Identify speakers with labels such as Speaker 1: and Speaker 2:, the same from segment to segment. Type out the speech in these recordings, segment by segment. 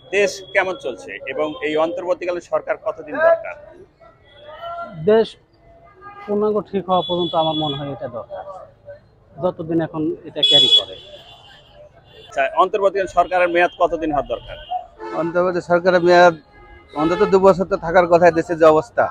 Speaker 1: দেশ কেমন চলছে এবং এই অন্তর্বর্তীকালীন সরকার কতদিন দরকার?
Speaker 2: দেশ পূর্ণাঙ্গ ঠিক হওয়া পর্যন্ত আমার মনে হয় এটা দরকার, যতদিন এখন এটা ক্যারি করে।
Speaker 1: আচ্ছা, অন্তর্বর্তীকালীন সরকারের মেয়াদ কতদিন হওয়ার দরকার?
Speaker 3: অন্তর্বর্তী সরকারের মেয়াদ অন্তত 2 বছর তো থাকার কথা, দেশের যে অবস্থা।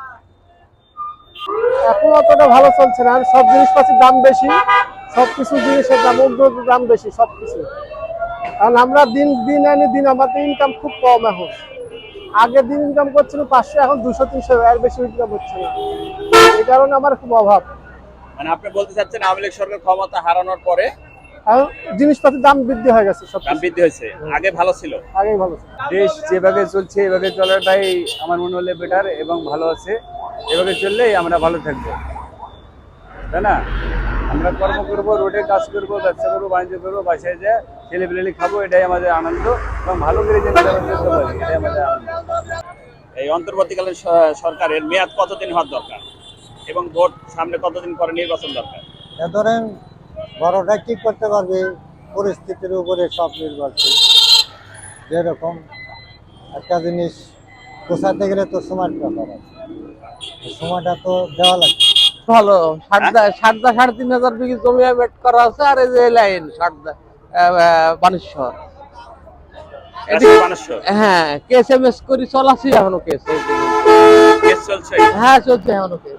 Speaker 4: এখন অতটা ভালো চলছে না, সব জিনিসপাতির দাম বেশি, সবকিছু জিনিসের দাম উদ্যোগের দাম বেশি সবকিছু। কারণ আমরা দিন দিন আনি দিন, আমাদের ইনকাম খুব কম এখন। আগে দিন ইনকাম করছিল 500, এখন 200-300, এর বেশি ইনকাম হচ্ছে না। এই কারণে আমার খুব অভাব।
Speaker 1: মানে আপনি বলতে চাচ্ছেন আওয়ামী লীগ সরকার ক্ষমতা হারানোর পরে
Speaker 4: এখন জিনিসপাতির দাম বৃদ্ধি হয়ে গেছে, সব
Speaker 1: দাম বৃদ্ধি হয়েছে, আগে ভালো ছিল।
Speaker 4: আগেই ভালো ছিল।
Speaker 3: দেশ যেভাবে চলছে এভাবে চলাটাই আমার মনে হলে বেটার এবং ভালো আছে। এভাবে চললেই আমরা ভালো থাকবো, তাই না? আমরা কর্ম করবো, রোডে কাজ করবো, ব্যবসা করবো, বাণিজ্য করবো, বাসায় যা ছেলেপিলেলি খাবো, এটাই আমাদের আনন্দ। এবং ভালো করে যেন চলতে পারি, এটাই আমাদের আনন্দ।
Speaker 1: এই অন্তর্বর্তীকালীন সরকারের মেয়াদ কতদিন হওয়ার দরকার এবং ভোট সামনে কতদিন পরে নির্বাচন দরকার?
Speaker 5: ধরেন বড়টা কি করতে পারবে, পরিস্থিতির উপরে সব নির্ভরশীল। যেরকম একটা জিনিস পোষাতে গেলে তো সময়ের ব্যাপার আছে, সময়টা তো দেওয়া লাগবে।
Speaker 6: ভালো। সারদা 3,500 বিঘি জমি বেট করা আছে, আর এই যে লাইন সারদা বানেশ্বর।
Speaker 1: মানুষ
Speaker 6: হ্যাঁ, কেস এমএস করি চলাছি এখনো কেস।
Speaker 1: কেস চলছে।
Speaker 6: হ্যাঁ, চলছে এখনো কেস।